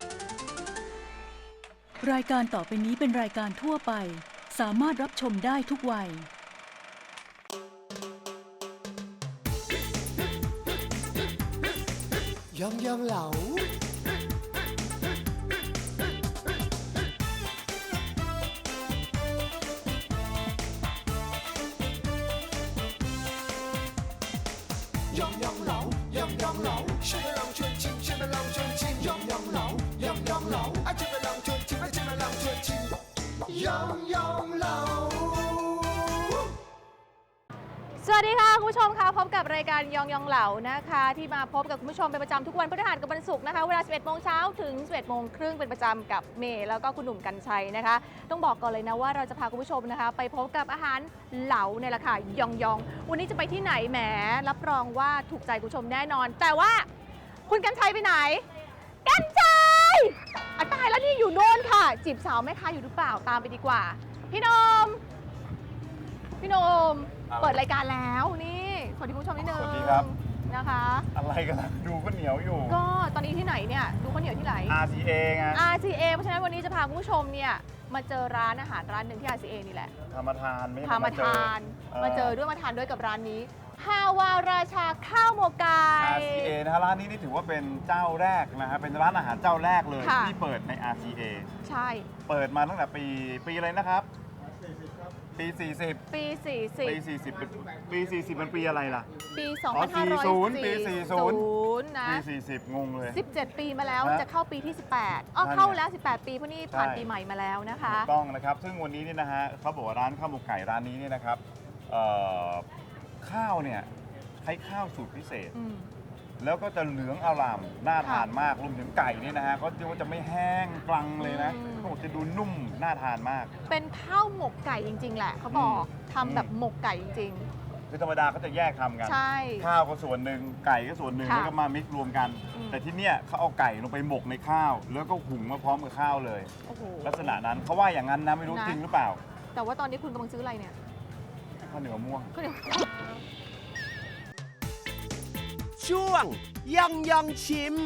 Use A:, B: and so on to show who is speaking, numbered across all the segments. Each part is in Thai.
A: รายการต่อไปนี้เป็นรายการทั่วไปสามารถรับชมได้ทุกวัย
B: ยองยองเหลายองยองเหลายองยองเหลาช่วยมาลองชวนชิมช่วยมาลองชวนชิมยองยองเหลายองยองเหลาช่วยมาลองชวนชิมช่วยมาลองชวนชิมยองยองเหลา
C: สวัสดีค่ะคุณผู้ชมคะพบกับรายการยองยองเหลานะคะที่มาพบกับคุณผู้ชมเป็นประจำทุกวันพฤหัสกับวันศุกร์นะคะเวลา 11 โมงเช้าถึง 11 โมงครึ่งเป็นประจำกับเมย์แล้วก็คุณหนุ่มกรรชัยนะคะต้องบอกก่อนเลยนะว่าเราจะพาคุณผู้ชมนะคะไปพบกับอาหารเหลาในราคายองยองวันนี้จะไปที่ไหนแหมรับรองว่าถูกใจคุณผู้ชมแน่นอน แต่ว่าคุณกรรชัยไปไหนกรรชัยตายแล้วนี่อยู่โน่นค่ะจีบสาวแม่ค้าอยู่หรือเปล่าตามไปดีกว่าพี่นมเปิดรายการแล้วนี่สวัสดีคุณผู้ชมนิดนึง
D: สวัสดีครับ
C: นะคะ
D: อะไรกันล่ะดูก็เหนียวอยู่
C: ก็ตอนนี้ที่ไหนเนี่ยดูข้าวเหนียวที่ไหน
D: RCA ไง
C: RCA เพราะฉะนั้นวันนี้จะพาคุณผู้ชมเนี่ยมาเจอร้านอาหารร้านหนึ่งที่ RCA นี่แหละ
D: ทำมาทานไม่ใช่
C: พามาทานมาเจอด้วยมาทานด้วยกับร้านนี้ฮาวาราชาข้าวหมกไก่
D: RCA นะฮะร้านนี้นี่ถือว่าเป็นเจ้าแรกนะฮะเป็นร้านอาหารเจ้าแรกเลย
C: ค่ะ
D: ที่เปิดใน RCA
C: ใช่
D: เปิดมาตั้งแต่ปีอะไรนะครับปี 40
C: ปี
D: ปี 40เป็นปี 40มันปีอะไรล่ะ
C: 40 ปี
D: อ๋อ40ปี
C: 40นะ
D: ปี 40 งงเลย
C: 17 ปีมาแล้ว
D: นะ
C: จะเข้าปีที่ 18
D: นั่นไง
C: เข้าแล้ว 18 ปีเพราะนี่ผ่าน
D: ใช่
C: ปีใหม่มาแล้วนะคะ
D: ถูกต้องนะครับซึ่งวันนี้เนี่ยนะฮะเขาบอกว่าร้านข้าวหมกไก่ร้านนี้เนี่ยนะครับเอ่อข้าวเนี่ยใช้ข้าวสูตรพิเศษ
C: อืม
D: แล้วก็จะเหลืองอร่ามน่าทานมากรวมถึงไก่เนี่ยนะฮะเขาจะว่าจะไม่แห้งกรังเลยนะ
C: อืม
D: เขาบอกจะดูนุ่มน่าทานมาก
C: เป็นข้าวหมกไก่จริง ๆ แหละเขาบอก
D: อืม
C: ทำแบบหมกไก่จริง
D: คือธรรมดาเขาจะแยกทำกัน
C: ๆ ใช่
D: ข้าวก็ส่วนหนึ่งไก่ก็ส่วนหนึ่ง
C: ค่ะ
D: แล้วก็มามิกซ์รวมกัน
C: อืม
D: แต่ที่เนี่ยเขาเอาไก่ลงไปหมกในข้าว แล้วก็หุงมาพร้อมกับข้าวเลย
C: โอ้โห
D: ลักษณะนั้นเขาว่าอย่างนั้นนะไม่รู้
C: นะ
D: จริงหรือเปล่า
C: แต่ว่าตอนนี้คุณกำลังซื้ออะไรเนี่ย
D: ข้าวเหนียวม่วง
C: ก็เดี๋ยว
B: ช่วงยองยองชิม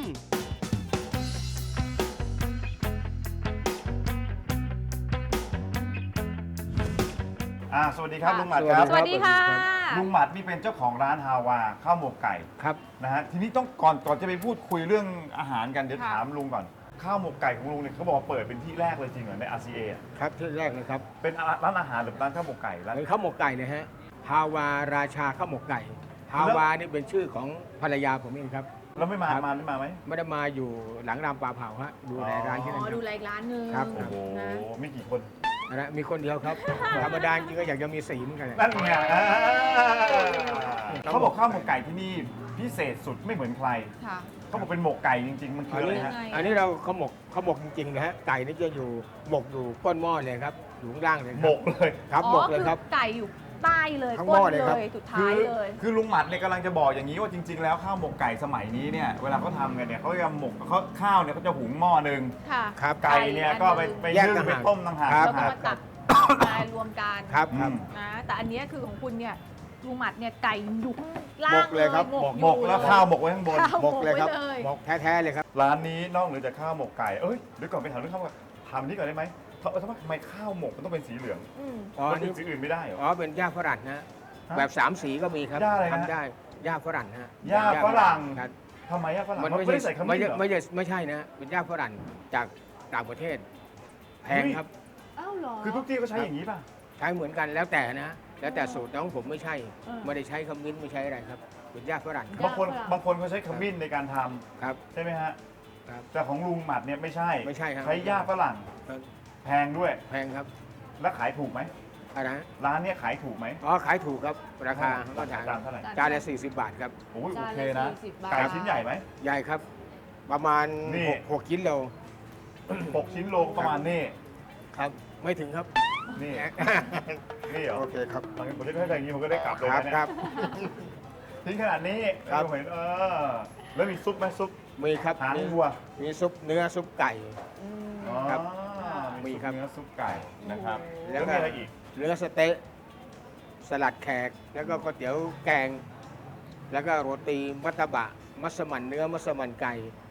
D: สวัสดีครับลุงหมัดครับ
C: สวัสดีค่ะ
D: ลุงหมัดนี่เป็นเจ้าของร้านฮาวาข้าวหมกไก่
E: ครับ
D: นะฮะทีนี้ต้องก่อนจะไปพูดคุยเรื่องอาหารกันเดี๋ยว
C: ค่ะ
D: ถามลุงก่อนข้าวหมกไก่ของลุงเนี่ยเขาบอกว่าเปิดเป็นที่แรกเลยจริงเหรอใน RCA อะ
E: ครับที่แรกเลยครับ
D: เป็นร้านอาหารหรือร้านข้าวหมกไก่ร้าน
E: เป็นข้าวหมกไก่เลยฮะฮาวาราชาข้าวหมกไก่ฮาวานี่เป็นชื่อของภรรยาผมเองครับ
D: แล้วไม่มา
E: ครับ
D: ไม่มาไหม
E: ไม่ได้มาอยู่หลังรามปลาเผาฮะดูแลร้านที่นั่น
C: อ๋อ
E: ค
C: ดู
E: รับ
C: แลอีกร้านหนึ่ง
E: ครับ
D: โอ้โห
C: นะ
D: มีกี่คน
E: นะมีคนเดียวครับ ธรรมดาจริงก็อยากจะมีสีเหมือนกัน
D: นั่นไงเขาบอกข้าวหมกไก่ที่นี่พิเศษสุดไม่เหมือนใคร
C: ค่ะ
D: เขาบอกเป็นหมกไก่จริง ๆ มันคืออะไรฮะ
C: ยังไง
E: อันนี้เราข้าวหมกจริงๆนะฮะไก่นี่จะอยู่หมกอยู่ก้นหม้อเลยครับอยู่ข้างล่างเลยครับ
D: หมกเลย
E: ครับหมกเลยครับ
C: อไก่อยู่ใต้เลย
E: ทั้ง
C: ก้
E: หม้อน เลยครับ
C: เลยสุดท้ายเลย
D: คือลุงหมัดเนี่ยกำลังจะบอกอย่างนี้ว่าจริง ๆ แล้วข้าวหมกไก่สมัยนี้เนี่ยเวลาเขาทำกันเนี่ยเขาจะหมกข้าวเนี่ยเขาจะหุงหม้อหนึ่ง
C: ค่ะ
E: ครับ
D: ไก่เนี่ยก็ไป
E: แยก
D: นึ่ง
E: ต่าง
D: ไป
E: หาก
D: ต้มต่างหาก
E: ครั
C: แล้ว
E: บ
C: ก็มาตักมารวมกัน
E: ครับครับ
C: นะแต่อันเนี้ยคือของคุณเนี่ยลุงหมัดเนี่ยไก่อยู่ข้างล่าง
E: หมกเลยครับ
D: หมกแล้วข้าวหมกไว้ข้างบน
C: ข้าว
E: หมกเลยครับ
C: ไว้เลย
E: หมกแท้ๆเลยครับ
D: ร้านนี้นอกเหนือจากข้าวหมกไก่เอ้ยเดี๋ยวก่อนไปถามเรื่องข้าวหมกถามนี้ก่อนได้ไหมทำไมข้าวหมกมันต้องเป็นสีเหลือง
C: อืม
E: อ๋อ
D: มันเป็
E: นี่
D: นสีอื่นไม่ได้เหรอ
E: อ๋อเป็นหญ้าฝรั่งนะ
D: ฮะ
E: แบบสามสีก็มีครับ
D: หญ้าอะไรนะ
E: ทำได้หญ้าฝรั่งฮะ
D: หญ้าฝรั่ง
E: ครับ
D: ทำไมอะฝรั่ง
E: มัน
D: ไม่ได้ใส่ขมิ้นเหรอ
E: ไม่ใช่นะ เป็นหญ้าฝรั่งจากต่างประเทศ แพงครับ
C: อ้าวเหรอ
D: คือทุกที่ก็ใช้อย่างนี้ป่ะ
E: ใช้เหมือนกันแล้วแต่นะ แล้วแต่สูตรน้องผมไม่ใช่
C: เออ
E: ไม่ได้ใช้ขมิ้นไม่ใช้อะไรครับ เป็นหญ้าฝรั่ง
C: หญ้
D: บางคนเขาใช้ขมิ้นในการทำ
E: ครับ
D: ใช่ไหมฮะ
E: ครับ
D: แต่ของลุงหมัดเนี่ยไม่ใช่
E: ไม่ใช่ครับ
D: ใช้หญ้าฝรั่ง
E: ครับ
D: แพงด้วย
E: แพงครับ
D: แล้วขายถูกไหม
E: อะไรนะ
D: ร้านเนี้ยขายถูกไหม
E: อ๋อขายถูกครับ ราคาก็
D: จานเท่าไหร่
E: จานละ40 บาทครับ
D: โอ้ยโอ
C: จาน
D: เค
C: ละ
D: นะ
C: 40 บาท
D: ไก่ชิ้นใหญ่ไหม
E: ใหญ่ครับ ประมาณ
D: นี่
E: 6กิโล
D: 6 ชิ้นโลประมาณนี่
E: ครับ ไม่ถึงครับ
D: นี่ นี่เหรอ
E: โอเคครับ
D: บางทีผมจะให้อย่างนี้ผมก็ได้กลับเลย
E: ครับ
D: นะเนี่ย
E: ครับ
D: ทิ้งขนาดนี้
E: ครับ
D: ผมเห็นแล้วมีซุปไหมซุป
E: มีครับ
D: หาง
E: มี
D: วัว
E: มีซุปเนื้อซุปไก่
C: อืม
D: อ๋อ
E: ครับ
D: มี
E: มี
D: ซุป
E: ครับ
D: เนื้อซุปไก่นะครับ
C: โอ้โห
D: แล้วมีอะไรอีก
E: เนื้อสเต๊ะสลัดแขก แล้วก็ก๋วยเตี๋ยวแกง แล้วก็โรตีมัตตบะ มัสมั่นเนื้อมัสมั่นไก่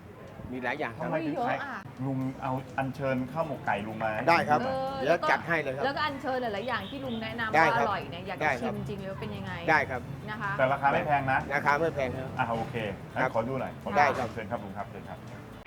E: มีหลายอย่างค
D: ทำ
E: รับ
D: ไมถึง
C: เยอะ
D: ขาย
C: อะ
D: ลุงเอาอัญเชิญข้าวหมกไก่ลุงมา
E: ได้ครับ
C: เออ
E: เดี๋ยวจัดให้เลยครับ
C: แล้วก็อัญเชิญหลายๆอย่างที่ลุงแนะนำ
E: ได้
C: ว่า
E: ครั
C: อบ ร่อยเนี่ยอยาก
E: ได้
C: จะ
E: ครั
C: ชิ
E: บ
C: มจริงๆเลยว่าเป็นยังไง
E: ได้ครับ
C: นะคะ
D: แต่ราคาไม่แพงนะ
E: ราคาไม่แพงครับ
D: โอเคงั้น
E: ครับ
D: ขอดูหน่อยขอ
E: ได้ครับ
D: เชิญครับลุงครับเชิญครับ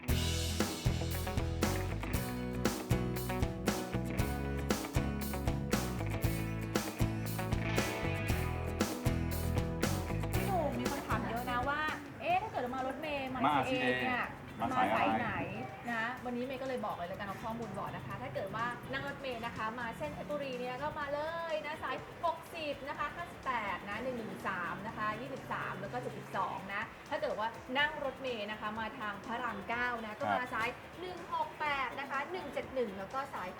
C: พี่หนุ่มมีคนถามเยอะนะว่า เอ๊ะถ้าเกิดเรามารถเมย์มา
D: มา
C: เอ
D: RCA
C: เนี่ย
D: มา
C: มา
D: สายอะไร
C: สายไหนนะวันนี้เมย์ก็เลยบอกเลยแล้วกันเอาข้อมูลบอกนะคะ ถ้าเกิดว่านั่งรถเมย์นะคะ มาเส้นเพชรบุรีเนี่ยก็มาเลยนะสาย 60 นะคะ 58 นะ 113 นะคะ 23 แล้วก็ 72 นะ ถ้าเกิดว่านั่งรถเมย์นะคะ มาทางพระราม 9 นะ ก็มาสาย 168 นะคะ 171 แล้วก็สาย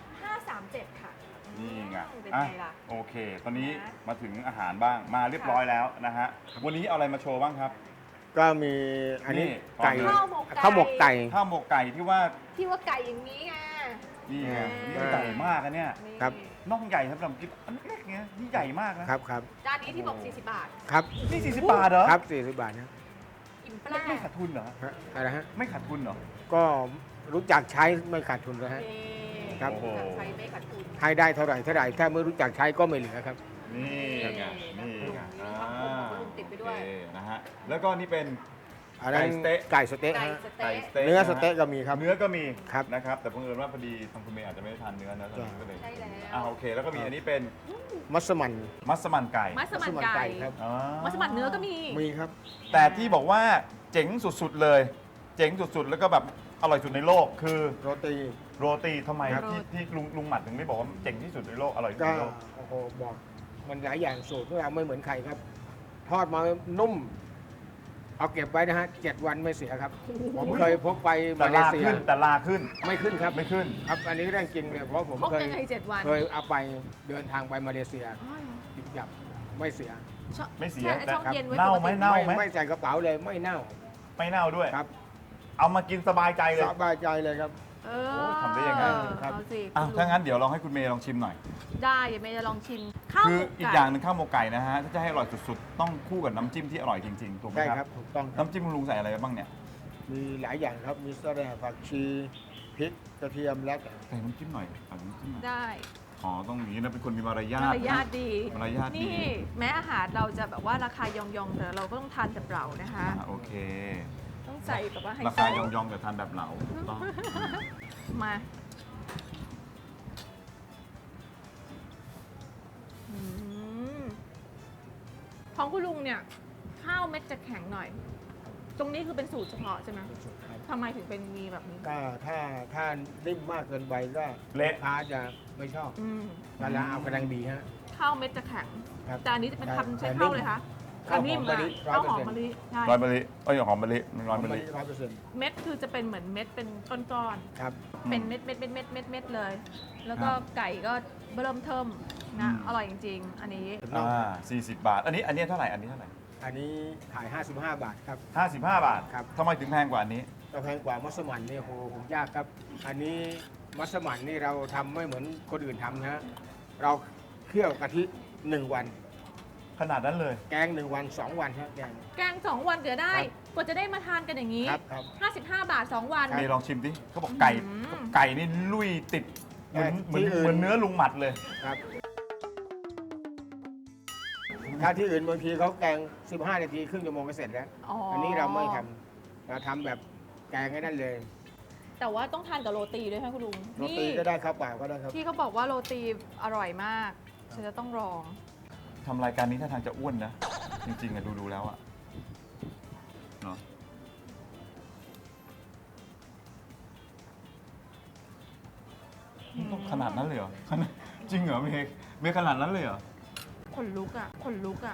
C: 537 ค่ะ
D: นี่ไง
C: เป็น
D: อ่ะ
C: ไงล่ะ
D: โอเค ตอนนี้
C: นะ
D: มาถึงอาหารบ้างมาเรียบร้อยแล้วนะฮะวันนี้เอาอะไรมาโชว์บ้างครับ
E: ก็มีอันนี้
D: นี่
E: ไก่
C: ข้าวหมกไก่
E: ข้าวหมกไก่
D: ข้าวหมกไก่ที่ว่า
C: ที่ว่าไก่อย่างนี้ไง
D: นี่ไง
C: อืม
D: นี่ใหญ่มากอันเนี่ย
C: นี่
E: ครับ
D: น่องใหญ่สำหรับกินอันเล็กๆเงี้ยนี่ใหญ่มากนะครับ
E: ครับ
C: จานนี้ที่บอก 40 บาท
E: ครับ
D: นี่40 บาทเหรอ
E: ครับ40 บาทนะ
C: อิ่มปลา
D: ไม่ขาดทุนเหรอ
E: ฮะอะไรฮะ
D: ไม่ขาดทุนเหรอ
E: ก็รู้จักใช้ไม่ขาดทุนแล้วฮะ ครับ
D: โอ้โห
C: ใช้ไม่ขาดทุน
E: ให้ได้เท่าไหร่ถ้าไม่รู้จักใช้ก็ไม่เหลือครับ
D: นี่ไงนี่ไง
C: มีข้าวหมกของลุงติดไปด้วย
D: โอเคนะฮะแล้วก็นี่เป็น
E: อันนั้น
D: ไก่สเต๊ะ
E: ไก่สเต๊ะ
C: ไก่
E: ฮะ
C: ส
D: ไก่
C: เต๊ะ
D: สเต๊ะ
E: เนื้อสเต๊ะ
D: ะฮ
E: ก็มีครับ
D: เนื้อก็มี
E: ครับ
D: นะครับ แต่เพิ่งเอิญว่าพอดีทางคุณเมย์อาจจะไม่ได้ทานเนื้อนะตอนนี้ก็เลย
C: ใช่แล้ว
D: โอเค แล้วก็มีอันนี้เป็น
E: มัสมั่น
D: มัสมั่นไก่
C: มัสมั่นไก่
E: ครับ
D: อ๋อ
C: มัสมั่นเนื้อก็มี
E: มีครับ
D: แต่ที่บอกว่าเจ๋งสุดๆเลย เจ๋งสุดๆ แล้วก็แบบอร่อยสุดในโลก คือ
E: โรตี
D: โรตีทำไม
E: ครับ
D: ที่ลุงหมัดถึงไม่บอกว่าเจ๋งที่สุดในโลกอร่อยที่สุ
E: ก็
D: ดในโลก
E: โอ้โหบอกมันหลายอย่างสูตรของเราไม่เหมือนใครครับ ทอดมานุ่ม เอาเก็บไว้นะฮะ7 วันไม่เสียครับ ผมเคยพกไป
D: แต่
E: มาเล
D: ลา
E: เซีย
D: ขึ้นแต่ลาขึ้น
E: ไม่ขึ้นครับ
D: ไม่ขึ้น
E: ครับ อันนี้เรื่องจริงเลยเพราะผม
C: พกยังไง7 วัน
E: เคยเอาไปเดินทางไปมาเลเซีย
C: อ๋อเหรอ
E: จิบจับไม่เสีย
C: ชอบ
D: ไม่เสีย
C: แช่
D: แต่
C: ช่องเย็นไว้
D: เน่า
C: ปก
D: ไหม
C: ติ
D: เน่า
E: ไม่ใส่กระเป๋าเลยไม่เน่า
D: ไม่เน่าด้วย
E: ครับ
D: เอามากินสบายใจเลย
E: สบายใจเลยครับ
C: เอ
D: โอ้
C: อ
D: ทำได้ยังไง
E: ครับ
C: เอาสิ
D: อ่ะ
C: คุณลุ
D: ถ้างั้นเดี๋ยวลองให้คุณเมย์ลองชิมหน่อย
C: ได้เดี๋ยวเมย์จะลองชิมข้าว
D: คื
C: ห
D: อ
C: มก
D: อีก
C: ไก่
D: อย่างหนึ่งข้าวหมกไก่นะฮะ ถ้าจะให้อร่อยสุดๆ ต้องคู่กับน้ำจิ้มที่อร่อยจริงๆ ถูกไหม
E: ได้
D: ค
E: ค
D: รั
E: รับ บถูกต้องครับ
D: น้ำจิ้มคุณลุงใส่อะไรไปบ้างเนี่ย
E: มีหลายอย่างครับ มีสะแหน่ผักชีพริกกระเทียมและ
D: ใส่น้ำจิ้มหน่อยใส่น้ำจิ้มหน่อย
C: ได้
D: อ๋อ ต้องอย่างนี้นะ เป็นคนมีมารยาท
C: มารยาท
D: นะ
C: ดี
D: มารยาทดี
C: นี่แม้อาหารเราจะแบบว่าราคายองๆแต่เราก็ต้องทานแบบเรานะคะ
D: โอเค
C: ต้องใส่แบบว่าไฮ
D: รา
C: โซ
D: คายองๆแต่ทานแบบเหลาถูกต้อง
C: มาอืมของคุณลุงเนี่ย ข้าวเม็ดจะแข็งหน่อย ตรงนี้คือเป็นสูตรเฉพาะใช่ไหมทำไมถึงเป็นมีแบบนี้
E: ก็ถ้านิ่มมากเกินไปก็
D: เละ
E: ลูกค้าจะไม่ชอบ
C: อืม
E: เวลาเอากำลังดีฮะ
C: ข้าวเม็ดจะแข็ง
E: ครับ
C: แต่อันนี้จะเป็นทำใช้
E: แต่
C: ข้าวเลยคะ
E: ข้าวหอม
C: นิ่ม
E: มะลิ
C: ข้าวหอม
E: 100%
C: มะลิใช่
D: ร้อยมะลิเอ้ยหอมมะลิร้อยมะลิ
E: 100%
C: เม็ดคือจะเป็นเหมือนเม็ดเป็นก้อน
E: ครับ
C: ๆเป็นเม็ดเม็ดเม็ดเม็ดเม็ดเม็ดเลย แล้วก็ไก่ก็เริ่มเทิมนะอร่อยจริง ๆ อันนี้
D: 40 บาท อันนี้เท่าไหร่ อันนี้เท่าไหร่
E: อันนี้ขาย 55 บาทครับ
D: 55 บาท
E: ครับ
D: ทำไมถึงแพงกว่าอันนี้
E: ก็แพงกว่ามัสมั่นนี่โหผมยากครับ อันนี้มัสมั่นนี่เราทำไม่เหมือนคนอื่นทำนะฮะเราเคี่ยวกะทิ1 วัน
D: ขนาดนั้นเลย
E: แกง1 วัน 2 วันฮะแกง
C: แกง2 วันเดี๋ยวได้
E: ครับ
C: กว่าจะได้มาทานกันอย่างนี้
E: ครับครับ
C: 55 บาท 2 วัน
D: เมย์ลองชิมดิเขาบอกไก่
C: อืม
D: ไก่นี่ลุยติดเหมือน
E: ที่อื่น
D: เหมือนเนื้อลุงหมัดเลย
E: ครับ ถ้าที่อื่นบางทีเขาแกง 15 นาทีครึ่งชั่วโมงก็เสร็จแล้ว อันนี้เราไม่ทำเราทำแบบแกงให้นั่นเลย
C: แต่ว่าต้องทานกับโรตีด้วยค่ะคุณลุง
E: โรตีก็ได้ข้าวเปล่าก็ได้ครับ
C: ที่เขาบอกว่าโรตีอร่อยมากฉันจะต้องลอง
D: ทำรายการนี้ถ้าทางจะอ้วนนะ จริงๆอะดูแล้วอะเนาะต้องขนาดนั้นเลยเหรอ จริงเหรอเมย์ขนาดนั้นเลยเหรอ
C: ขนลุกอ่ะขนลุกอ่ะ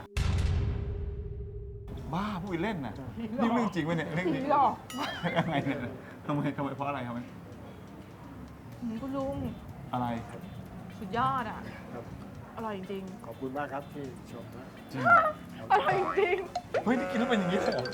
D: บ้าพูดเล่นน่ะนี่เรื่องจริงไหมเนี่ยเรื่องจริง
C: หลอก
D: ยังไงเนี่ยทำไมเพราะอะไรครับ
C: คุณลุง
D: อะไร
C: สุดยอดอ่ะ
E: ครับ
C: อร่อยจริง
E: ขอบคุณมากครับที่ชมนะ
D: จริงเหรอ
C: ๆอร่อยจริง
D: เฮ้ยนี่กินแล้วเป็นอย่างนี้เลยเหรอ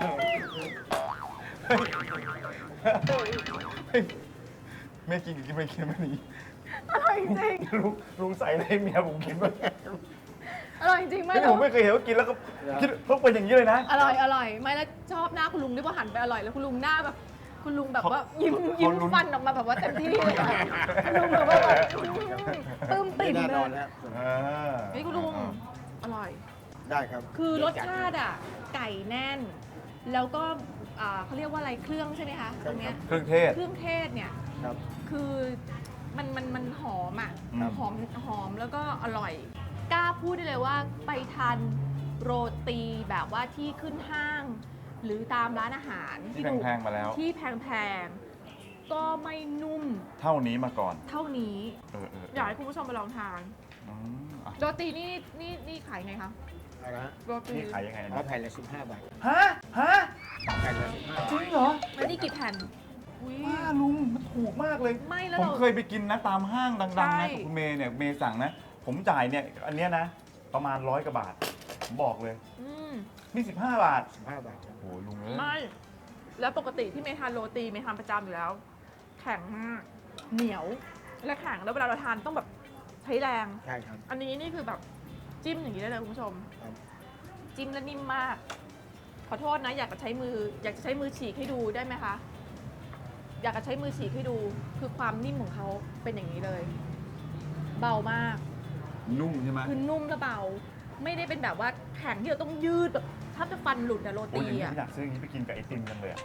D: เฮ้ยแม่กินกับกินไม่กินไม่หนี
C: อร่อยจริง
D: ลุงใส่อะไรให้เมียผมกินบ้าง
C: อร่อยจริงไหม
D: ไม่ผมไม่เคยเห็นว่ากินแล้วก็คิดเพิ่งเป็นอย่างนี้เลยนะ
C: อร่อยไม่แล้วชอบหน้าคุณลุงด้วยว่าหันไปอร่อยแล้วคุณลุงหน้าแบบคุณลุงแบบ
D: เขา
C: ว่ายิ้ม
D: เขาลุ้น
C: ฟันออกมาแบบว่าเต็มที่เลยอะคุณลุงแบบว่าปลื้มปิ่ม
E: แน่
C: เล
E: นอน
C: ย
E: นะครับ
D: เออ
C: นี่คุณลุงอร่อย
E: ได้ครับ
C: คือรสชาติอ่ะไก่แน่น แล้วก็เขาเรียกว่าอะไรเครื่องใช่ไหมคะตรงเนี้ย
D: เครื่องเทศ
C: เครื่องเทศเนี่ย
E: ครับ
C: คือมันหอมอ่ะ
D: ครับ
C: หอมแล้วก็อร่อย กล้าพูดได้เลยว่าไปทานโรตีแบบว่าที่ขึ้นห้าง หรือตามร้านอาหาร
D: ที่แพงๆมาแล้ว
C: ที่แพงๆก็ไม่นุ่ม
D: เท่านี้มาก่อน
C: เท่านี้
D: เออ
C: อยากให้คุณผู้ชมไปลองทาน
D: อ่ะ
C: โรตีนี่ขายไงคะ
E: เอาละฮะ
C: โรตี
D: นี่ขายยังไง
E: เอา
D: นะ
E: แผ่นละ15 บาท
D: ฮะ
E: แผ่นละ15
D: จริงเหรอ
C: แล้วนี่กี่แผ่นอุ๊ย
D: ว้าลุงมันถูกมากเลย
C: ไม่แล้ว
D: ผม
C: เรา
D: เคยไปกินนะตามห้างดังๆ
C: ใช่
D: นะกับคุณเมย์เนี่ยเมย์สั่งนะ ผมจ่ายเนี่ยอันเนี้ยนะ ประมาณ100 กว่าบาท ผมบอกเลย
C: อืม
D: นี่15 บาท
E: 15 บาทครับ
D: โอ้โหลุงเอ้ย
C: ไม่ แล้วปกติที่เมย์ทานโรตีเมย์ทานประจำอยู่แล้ว แข็งมาก เหนียว และแข็ง แล้วเวลาเราทานต้องแบบใช้แรง
E: ใช่ครับ
C: อันนี้นี่คือแบบจิ้มอย่างนี้ได้เลยคุณผู้ชม
E: ครับ
C: จิ้มแล้วนิ่มมาก ขอโทษนะ อยากจะใช้มือฉีกให้ดูได้ไหมคะ อยากจะใช้มือฉีกให้ดู คือความนิ่มของเขาเป็นอย่างนี้เลย เบามาก
D: นุ่มใช่ไหม
C: คือนุ่มและเบา ไม่ได้เป็นแบบว่าแข็งที่เราต้องยืดแบบถ้าจะฟันหลุดอะโร
D: โอ้ย
C: ตี
D: อย่างนี้
C: อะ
D: อยากซื้ออย่างนี้ไปกินกับไอติมกันเลยอะ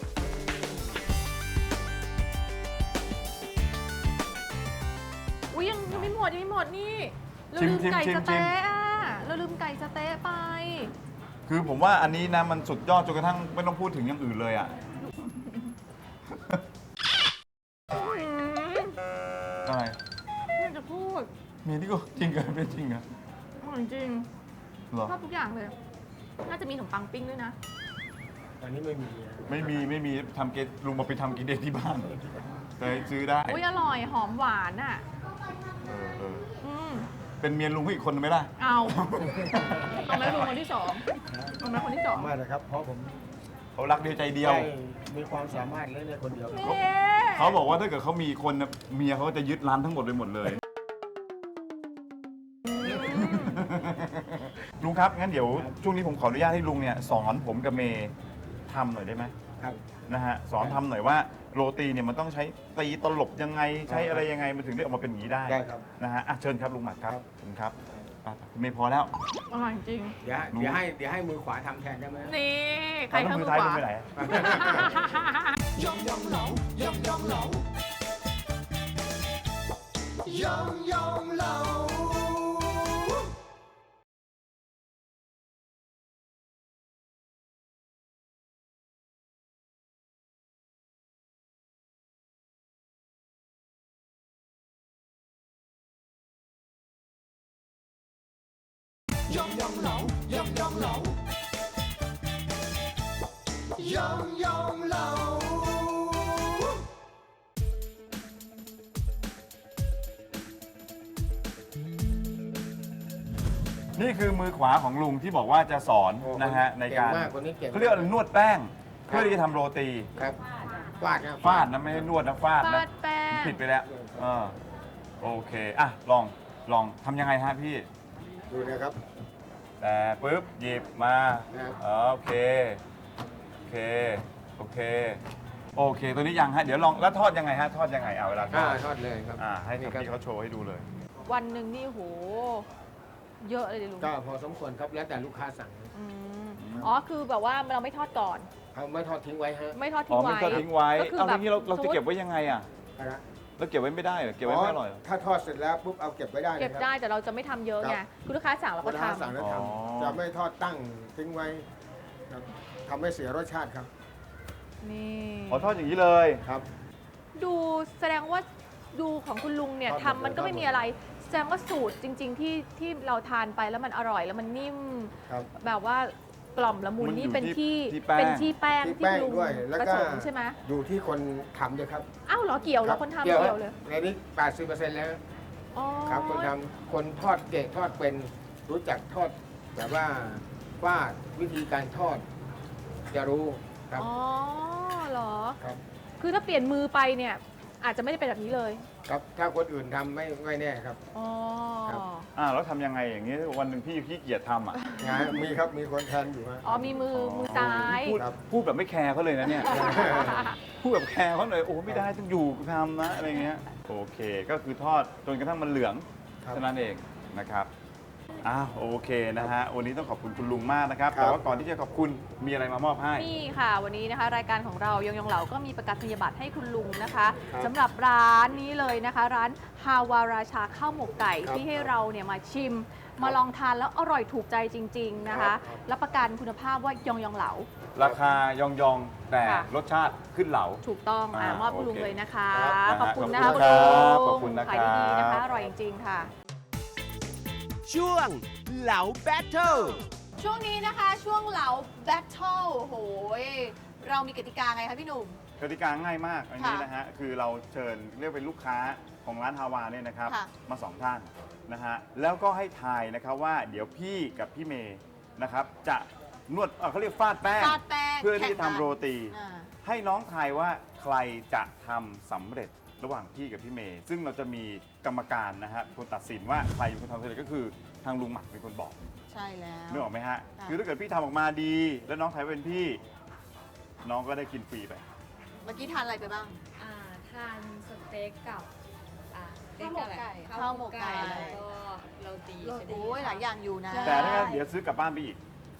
C: อุ้ยยังไม่หมดนี่เราลืมไก่สะเต๊ะอะเราลืมไก่สะเต๊ะไป
D: คือผมว่าอันนี้นะมันสุดยอดจนกระทั่งไม่ต้องพูดถึงอย่างอื่นเลยอ่ะ อะไร
C: ไม่อยากจะพูด
D: เมย์นี่ก็จริงเหรอเป็นจริงเหรอ
C: อร่อยจริง
D: เหรอ
C: ชอบทุกอย่างเลย น่าจะมีขนมปังปิ้งด้วยนะ
E: ตอนนี้ไม่มีนะ
D: ไม่มีทำเกตลุงมาไปทำกินเองที่บ้านเคยซื้อได้
C: อุ้ยอร่อยหอมหวานอ่ะ
D: เออ
C: อืม
D: เป็นเมียลุงให้อีกคนนึงไหมล่ะ
C: เอาเอาไหมลุงคนที่สองเอาไหมคนที่สอง
E: มากนะครับ เพราะผม
D: เขารักเดียวใจเดียว
E: ได้มีความสามารถเล่นในคนเดียวครับ
C: เน่
D: เขาบอกว่าถ้าเกิดเขามีคนน่ะเมียเขาจะยึดร้านทั้งหมดไปหมดเลย ลุงครับงั้นเดี๋ยวช่วงนี้ผมขออนุญาตให้ลุงเนี่ยสอนผมกับเมย์ทำหน่อยได้ไหม
E: ครับ
D: นะฮะสอนทำหน่อยว่าโรตีเนี่ยมันต้องใช้ตีตลบยังไงใช้อะไรยังไงมันถึงได้ออกมาเป็นอย่างนี้ได้
E: ได้ครับ
D: นะฮะอ่ะเชิญครับลุงหมัดครับ
E: ครับ
D: ขอบคุณครับอ่ะคุณเมย์พอแล้ว
C: อร่อยจริง
E: เดี๋ยวให้มือขวาทำแทนได้ไหม
C: นี่ใคร
D: แล้ว
C: ข้าง
D: มื
C: มื
D: อ
C: อ
D: ท้าย
C: ข
D: ลุง
C: วา
D: ไปไหน
B: ยองยองเหลายองยองเหลายองยองเหลายองยองเหลายองยองเหลายองยองเหลา
D: นี่คือมือขวาของลุงที่บอกว่าจะสอน
E: โอ้
D: นะฮะในการ
E: เก่งมากคนนี้เก่ง
D: เขาเรียกว่านวดแป้งเพื่อที่จะทำโรตี
E: ครับฟาดนะ
D: ฟาดนะไม่ให้นวดนะฟาด
C: ฟา
D: นะ
C: ดแป้ง
D: ผิดไปแล้วโอเคอ่ะลองทำยังไงฮะพี่
E: ดูนะครับ
D: แต่ปุ๊บหยิบมา
E: ครับ
D: โอเคตัวนี้ยังฮะเดี๋ยวลองแล้วทอดยังไงฮะทอดยังไงเอาเวลาทอด
E: ทอดเลยครับ
D: ให้
E: นี่
D: พี่เขาโชว์ให้ดูเลย
C: วันหนึ่งนี่โห เยอะเลยดิลุง
E: ก็พอสมควรครับแล้วแต่ลูกค้าสั่ง
C: อืมอ๋อ คือแบบว่าเราไม่ทอดก่อน
E: เขาไม่ทอดทิ้งไว้ฮะ
C: ไม่ทอด
D: อ๋
C: ทิ้
D: อง
C: ไว้
D: มันก็ทิ้งไว้
C: ก็คือ
D: เอา
C: แบ
D: ที
C: บ
D: นี้เราจะเก็บไว้ยังไงอ่ะ
E: อะไรนะ
D: เราเก็บไว้ไม่ได้เหรอเก็บไว้ไม่อร่อยเหรอ
E: ถ้าทอดเสร็จแล้วปุ๊บเอาเก็บไว้ได้ลย
C: เก็บ
E: ครับ
C: ได้แต่เราจะไม่ทำเยอะไง
E: ครับ
C: คือลูกค้าสั่งเรา
E: ลู
C: ก็
E: กค้าสั่ง
C: ทำ
E: แล้วท
D: อ๋อ
E: ำจะไม่ทอดตั้งทิ้งไว้ครับทำให้เสียรสชาติครับ
C: นี่
D: ขอทอดอย่างนี้เลย
E: ครับ
C: ดูแสดงว่าดูของคุณลุงเนี่ย
E: ทอดหมด
C: ทำมันก็ไม่มีอะไร แสดงว่าสูตรจริง ๆ ที่เราทานไปแล้วมันอร่อยแล้วมันนิ่ม
E: ครับ
C: แบบว่ากล่อมละมุน
D: มัน
C: นี่
D: อยู่
C: เป็น
D: ที่
C: ที่
D: แป้ง
C: เป็นที่แป้ง
E: ที่
C: ที่
E: แป้ง
C: ลุง
E: ด้วยแล้ว
C: ผ
E: ก็
C: สมใช่ไหม
E: อยู่ที่คนทำด้วยครับ
C: อ้าวเหรอเกี่ยวแล้วคนทำเกี่ยวเลย
E: ในนี้ 80%แล้ว
C: อ๋อ
E: ครับคนทำคนทอดเก่งทอดเป็นรู้จักทอดแบบว่าวิธีการทอด จะรู้ครับ
C: อ๋อเหรอ
E: ครับ
C: คือถ้าเปลี่ยนมือไปเนี่ยอาจจะไม่ได้เป็นแบบนี้เลย
E: ครับถ้าคนอื่นทำไม่แน่ครับ
C: อ๋อ
E: ครับ
D: แล้วทำยังไงอย่างนี้วันหนึ่งพี่ขี้เกียจทำอ่ะ
E: งานมีครับมีคนแทนอยู่ฮะ
C: อ๋อมีมือซ้าย
D: พูด
E: ครับ
D: พูดแบบไม่แคร์เขาเลยนะเนี่ยพูดแบบแคร์เขาหน่อยโอ้ไม่ได้ต้องอยู่ทำนะอะไรเงี้ยโอเคก็คือทอดจนกระทั่งมันเหลือง
E: ครับ
D: เท่านั้นเองนะครับโอเคนะฮะวันนี้ต้องขอบคุณคุณลุงมากนะครับ
E: ครับ
D: แต่ว่าก่อนที่จะขอบคุณมีอะไรมามอบให้
C: นี่ค่ะ วันนี้นะคะ รายการของเรายองเหลาก็มีประกาศนียบัตรให้คุณลุงนะคะ
E: ครับ
C: สำหรับร้านนี้เลยนะคะ ร้านฮาวาราชาข้าวหมกไก่
E: ครับ
C: ที่ให้เราเนี่ยมาชิม มาลองทานแล้วอร่อยถูกใจจริง ๆนะคะ
E: ครับ
C: รับประกันคุณภาพว่ายองเหลา
D: ราคายองๆแต่
C: ค่ะ
D: รสชาติขึ้นเหลา
C: ถูกต้องมอบคุณลุง
D: โอเค
C: เลยนะคะ
D: ครับ
C: ขอบคุณนะ
D: ข
C: คะ
D: อบ
C: คุณ
D: คุณ
C: ลุ
D: ครับ
C: ง
D: ขอบคุณนะครับ
C: ขายดีๆนะคะ อร่อยจริงๆค่ะ
F: ช่วงเหลาแบทเทิล
C: ช่วงนี้นะคะช่วงเหลาแบทเทิลโอ้โหเรามีกติกาไงคะพี่หนุ่ม
D: กติกาง่ายมากอันนี้
C: ค่ะ
D: นะฮะคือเราเชิญเรียกเป็นลูกค้าของร้านฮาวาเนี่ยนะครับ
C: ค่ะ
D: มา2ท่านนะฮะแล้วก็ให้ทายนะครับว่าเดี๋ยวพี่กับพี่เมย์นะครับจะนวดเขาเรียกฟาดแป้ง
C: ฟาดแป้ง
D: เพื่อที่จะ
C: แข่งกัน
D: ทำโรตี
C: อ่า
D: ให้น้องทายว่าใครจะทำสำเร็จระหว่างพี่กับพี่เมย์ซึ่งเราจะมีกรรมการนะฮะเป็นคนตัดสินว่าใครเป็นคนทำสำเร็จก็คือทางลุงหมักเป็นคนบอก
C: ใช่แล้ว
D: นึกออกไหมฮะ
C: ค่ะ
D: คือถ้าเกิดพี่ทำออกมาดี แล้วน้องทายว่าเป็นพี่ น้องก็ได้กินฟรีไป
C: เมื่อกี้ทานอะไรไปบ้าง
G: ทานสเต็กกับสเต็กอะไร
C: ข้าวหมกไก่
G: แล้วก็โรตีชนิด
C: โอ้ยหลายอย่างอยู่นะ
D: แต่ถ้างั้นเดี๋ยวซื้อกลับบ้านไปอีก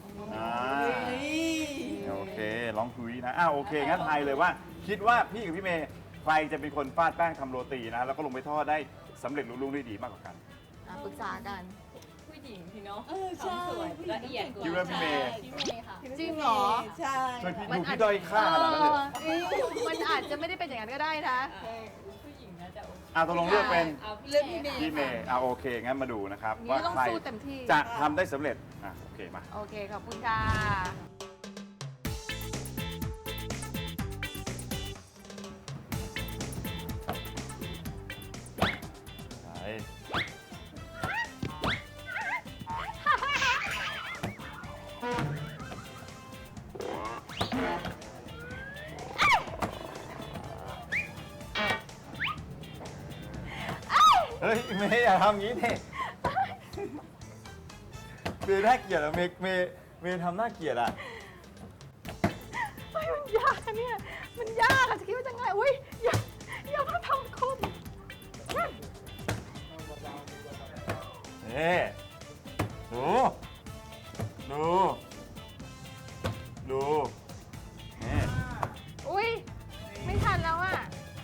D: โอเคลองคุยนะโอเคงั้นทายเลยว่า คิดว่าพี่กับพี่เมย์ใครจะเป็นคนฟาดแป้งทำโรตีนะแล้วก็ลงไปทอดได้สำเร็จลุล่วงได้ดีมากกว่ากัน
C: ปรึกษากัน
G: ผู้หญิงพี่เนาะทำสวยละเอียดกว่า
D: คิดว่าพี่เมย์
G: พี่เมย์ค่ะ
C: จริงเหรอ
D: ช่วยพี่ดูพี่ด้อยค่าขนาดนั้นเลย
C: มันอาจจะไม่ได้เป็นอย่างนั้นก็ได้นะ
G: ผู้หญิงน่าจะโอเค
D: ตกลงเลือกเป็น
G: เอาเลือกพี่เมย์
D: พี่เมย์โอเคงั้นมาดูนะครับ
C: นี่
D: ว่า
C: ต้อง
D: ใคร
C: สู้เต็มที่
D: จะทำได้สำเร็จโอเคมา
C: โอเค ขอบคุณค่ะ
D: ไปเฮ้ยเมย์อย่าทำงี้ดิเมย์น่าเกลียดอะเมย์ทำน่าเกลียดอะ
C: มันยากอะเนี่ย มันยากอะจะคิดว่าจะง่ายอุ้ยอย่ามาทำคุม
D: นี่ดูนี่
C: อุ้ยไม่ทันแล้วอะ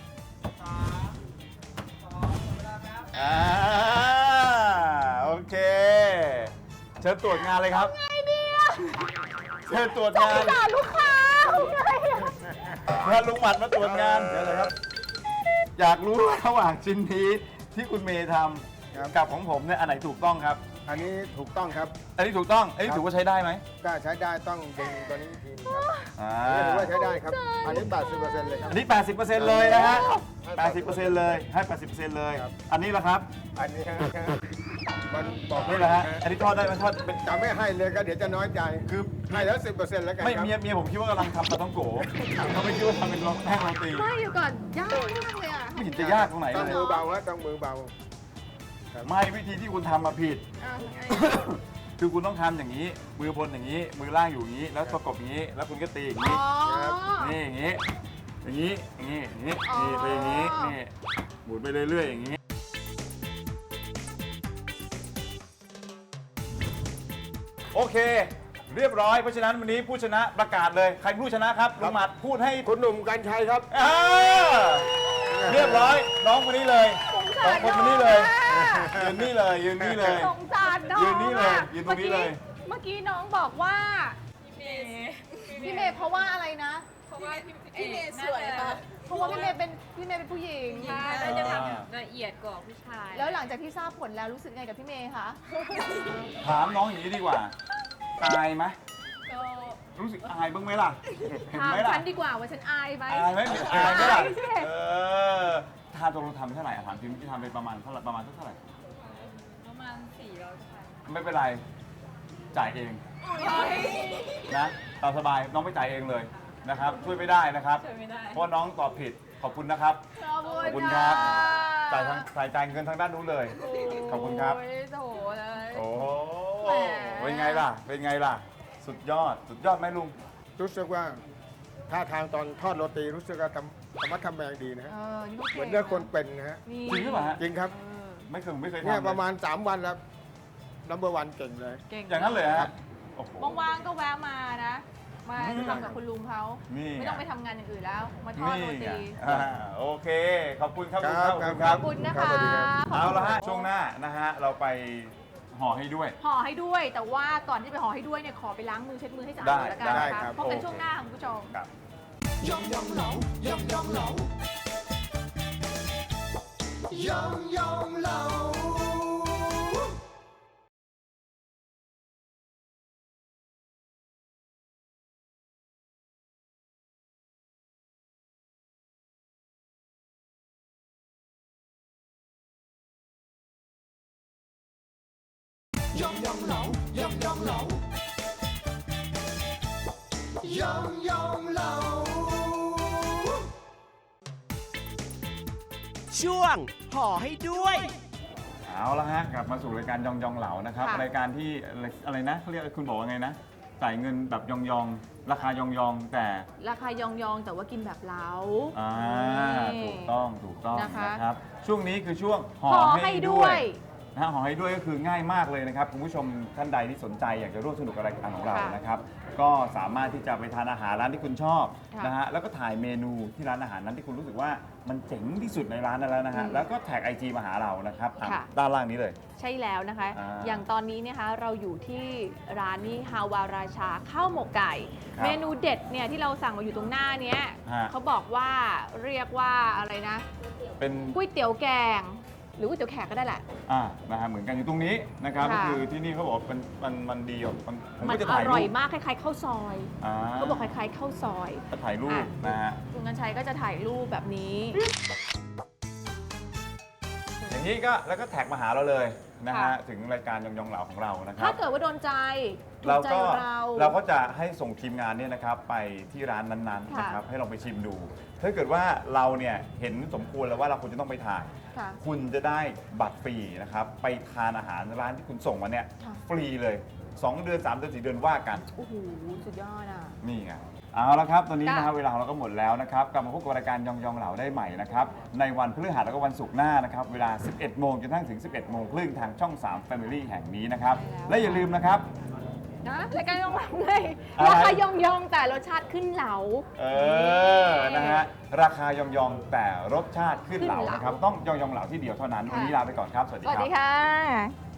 D: โอเคเชิญตรวจงานเลยครับ
C: ไงเนี่ย
D: เชิญตรวจ
C: จะ
D: งา
C: ไป
D: น
C: ด่าลูกค้าไงอะ
D: ถ้าลุงหมัดมาตรวจงานเดี๋ยวเลยครับ อยากรู้ว่าระหว่างชิ้นนี้ที่คุณเมย์ท
E: ครับ
D: ำกับของผมเนี่ยอันไหนถูกต้องครับ
E: อันนี้ถูกต้องครับ
D: อันนี้ถูกต้อง อันนี้
E: ครับ
D: ถือว่าใช้ได้ไหม
E: ก็ใช้ได้ต้องดึงตัวนี้อีกทีนึงครับ
D: อ่า
E: อันนี้ถือว่าใช้ได้ครับ อันนี้ 80%เลยครับ
D: อันนี้ 80%เลยนะฮะ 80%เลยให้ 80%เลย
E: ครับ
D: อันนี้ละครับ
E: อันนี้มันบอก
D: นี่แหละฮะอันนี้ทอดได้ไหมทอดเป็น
E: จะไม่ให้เลยก็เดี๋ยวจะน้อยใจ
D: คือ
E: ให้แล้ว 10%แล้วกัน
D: ไม่
E: ครับ
D: เมียผมคิดว่ากำลังทำปลาต้องโกเขาไม่คิดว่าทำเป็นแป้งโรตี
C: ไม่อยู่ก่อน ยากมากเลยอะ
D: ไม่เห็นจะยากตรงไหน
E: ต้อง
D: เลย
E: มือเบาฮะต้องมือเบา
D: ไม่วิธีที่คุณทำมาผิด คือคุณต้องทำอย่างนี้ มือบนอย่างนี้ มือล่างอยู่อย่างนี้ แล้วประกบอย่างนี้ แล้วคุณก็ตีอย่างนี้
C: อ๋อ
D: นี่อย่างนี้ อย่างนี้ อย่างนี้ อย่างนี้
C: อ๋อ
D: นี่ไปอย่างนี้ นี่ หมุนไปเรื่อยๆอย่างนี้ โอเค เรียบร้อย เพราะฉะนั้นวันนี้ผู้ชนะประกาศเลย ใครผู้ชนะครับลุงหมัดพูดให้
E: คุณหนุ่มกัญชัยครับ
D: อ่าเรียบร้อย น้องคนนี้เลยสองคนคนนี้เลยยืนนี่เลย ยืนนี่เลย
C: สงสารน้อง
D: ยืนนี่เลย
C: อะ
D: ยืนตรงนี้เลย
C: เมื่อกี้น้องบอกว่า
G: พี่เมย์
C: พี่เมย์เพราะว่าอะไรนะ
G: เพราะว่าพี่เมย์สวยค่ะ
C: เพราะว่าพี่เมย์เป็นผู้หญิง
G: ใช่น่าจะทำละเอียดกว่าผู้ชาย
C: แล้วหลังจากที่ทราบผลแล้วรู้สึกไงกับพี่เมย์คะ
D: ถามน้องอย่างนี้ดีกว่า อายไหม
G: ก็
D: รู้สึกอายบ้างไหมล่ะ เห็น
C: ถาม
D: ไหมล่ะ
C: ฉันดีกว่าว่าฉันอายไหม
D: อายไหมอายไหมล่ะ
C: อายสิ
D: ทานตรงทำเท่าไหร่ถามพิมพ์ที่ทำไปประมาณเท่าไหร่ประมาณเท่าไหร่
G: ประมาณ400ค่ะ
D: ไม่เป็นไร จ่ายเอง นะตามสบาย น้องไม่จ่ายเองเลยนะครับ ช่วยไม่ได้นะครับ
G: ช่วยไม่ได้
D: เพราะน้องตอบผิด ขอบคุณนะครับ
C: ขอบ
D: ขอบ
C: คุ
D: คุณ ณ
C: ค
D: ค
C: รั
D: รับ จ่ายเงินทางด้านนู้นเลย ขอบคุณครับ
C: โอ้ยโถเลย
D: โอ้โห
C: แหม
D: เป็นไงล่ะ เป็นไงล่ะ สุดยอด สุดยอดไหมลุง
E: รู้สึกว่าท่าทางตอนทอดโรตีรู้สึกว่าธรรมะทำแมงดีนะฮะ
C: นี่ก็
E: เหมือนเนื้อคนเป็นนะฮะ
C: นี่
D: จริงหรือเปล่าฮะ
E: จริงครับ
D: ไม่เคย
E: เนี่ย
D: ทำ
E: ประมาณ 3 วันแล้วนัมเบอร์วันเก่งเลย
C: เก่ง
D: อย่างนั้นเลยฮะโอ้โห
C: ว่างๆก็แวะมานะ มาทำกับคุณลุงเขา
D: นี่ไง
C: ไม่ต้องไปทำงานอย่างอื่นแล้ว มาทอดโร
D: นี่ไง
C: ตี
D: โอเค ขอบคุณครับ
E: ครับ
D: ขอบคุณ
E: ค
D: ค
E: รั
D: รับ
C: ขอบคุณนะ
E: ครั
C: คะ
E: บสวัสดีครับ
D: เอาละฮะช่วงหน้านะฮะเราไปห่อให้ด้วย
C: ห่อให้ด้วย แต่ว่าก่อนที่จะไปห่อให้ด้วยเนี่ยขอไปล้างมือเช็ดมือให้สะอาด
D: ได้
C: ก่อนละกัน
D: ได้
C: นะ
D: ครั
C: คะ
D: บ
C: พบกัน
D: โอเค
C: ช่วงหน้าค่ะคุณผู้ชม
D: ครับ
B: ยองยองเหลายองยองเหลายองยองเหลายองยองเหลายองยองเหลายองยองเหลา
F: ช่วงห่อให้ด้วย
D: เอาละฮะกลับมาสู่รายการยองยองเหลานะครับ
C: ค่ะ
D: รายการที่อะไรนะเขาเรียกคุณบอกว่าไงนะจ่ายเงินแบบยองยองราคายองยองแต่
C: ราคายองๆแต่ว่ากินแบบเล้า
D: อ่า
C: นี่
D: ถูกต้อง
C: นะคะ
D: นะครับช่วงนี้คือช่วงห่อ
C: ห่อ
D: ให้
C: ให้
D: ด้
C: ด้
D: ว
C: วย ย
D: นะฮะห่อให้ด้วยก็คือง่ายมากเลยนะครับคุณผู้ชมท่านใดที่สนใจอยากจะร่วมสนุกกับรายการของเรา
C: ค่ะ
D: นะครับก็สามารถที่จะไปทานอาหารร้านที่คุณชอบ
C: ค่ะ
D: นะฮะแล้วก็ถ่ายเมนูที่ร้านอาหารนั้นที่คุณรู้สึกว่ามันเจ๋งที่สุดในร้านนั้นแล้วนะฮะ
C: อืม
D: แล้วก็แท็ก IG มาหาเรานะครับอ่ะ
C: ค่ะ
D: ด้านล่างนี้เลย
C: ใช่แล้วนะคะ
D: อ่า
C: อย่างตอนนี้นะคะเราอยู่ที่ร้านนี้ฮาวาราชาข้าวหมกไก่
D: ครับ
C: เมนูเด็ดเนี่ยที่เราสั่งมาอยู่ตรงหน้าเนี้ย
D: ฮะ
C: เขาบอกว่าเรียกว่าอะไรนะ
D: เป็น
C: ก๋วยเตี๋ยวแกง หรือก๋วยเตี๋ยวแขกก็ได้แหละ
D: นะฮะเหมือนกันอยู่ตรงนี้นะครับก็
C: ค่ะ
D: คือที่นี่เขาบอกมันดีอ่ะผม
C: มัน
D: ก็จะ
C: อ
D: ถ่าย
C: ร่
D: รู
C: อย
D: ป
C: มากคล้ายๆข้าวซอย
D: อ่า
C: เขาบอกคล้ายๆข้าวซอย
D: จะถ่ายรูป
C: อ่ะ
D: นะฮะ
C: คุณกัญชัยก็จะถ่ายรูปแบบนี้
D: อย่างนี้ก็แล้วก็แท็กมาหาเราเลยนะฮะ
C: ค่ะ
D: ถึงรายการยองยองเหลาของเรานะค
C: ถ้า
D: รับ
C: เกิดว่าโดนใจถู
D: เรา
C: ใจ
D: ก็
C: เรา
D: ก็จะให้ส่งทีมงานเนี่ยนะครับไปที่ร้านนั้นๆ
C: ค่ะ
D: นะครับให้ลองไปชิมดู ถ้าเกิดว่าเราเนี่ยเห็นสมควรแล้วว่าเราควรจะต้องไปทาน
C: ค่ะ
D: คุณจะได้บัตรฟรีนะครับไปทานอาหารร้านที่คุณส่งมาเนี่ย
C: ค่ะ
D: ฟรีเลย 2 เดือน 3 เดือน 4 เดือนว่ากัน
C: โอ้โหสุดยอดอ่ะ
D: นี่ไงเอาละครับตอนนี้
C: ค่ะ
D: นะครับเวลาของเราก็หมดแล้วนะครับกลับมาพบกับรายการยองยองเหลาได้ใหม่นะครับในวันพฤหัสแล้วก็วันศุกร์หน้านะครับเวลา 11 โมงจนถึง 11 โมงครึ่งทางช่อง 3 Family แห่งนี้นะครับและอย่าลืมนะครับ
C: นะรายการยองเหลาไง
D: อะไร
C: ราคายองๆแต่รสชาติขึ้นเหลา
D: นะฮะราคายองยองแต่รสชาติขึ้นเหลา
C: ขึ้นเหลา
D: นะครับต้องยองยองเหลาที่เดียวเท่านั้น
C: ค่ะ
D: วันนี้ลาไปก่อนครับ สวัสดี
C: สวัส
D: ครั
C: ดี
D: บ
C: ค่ะ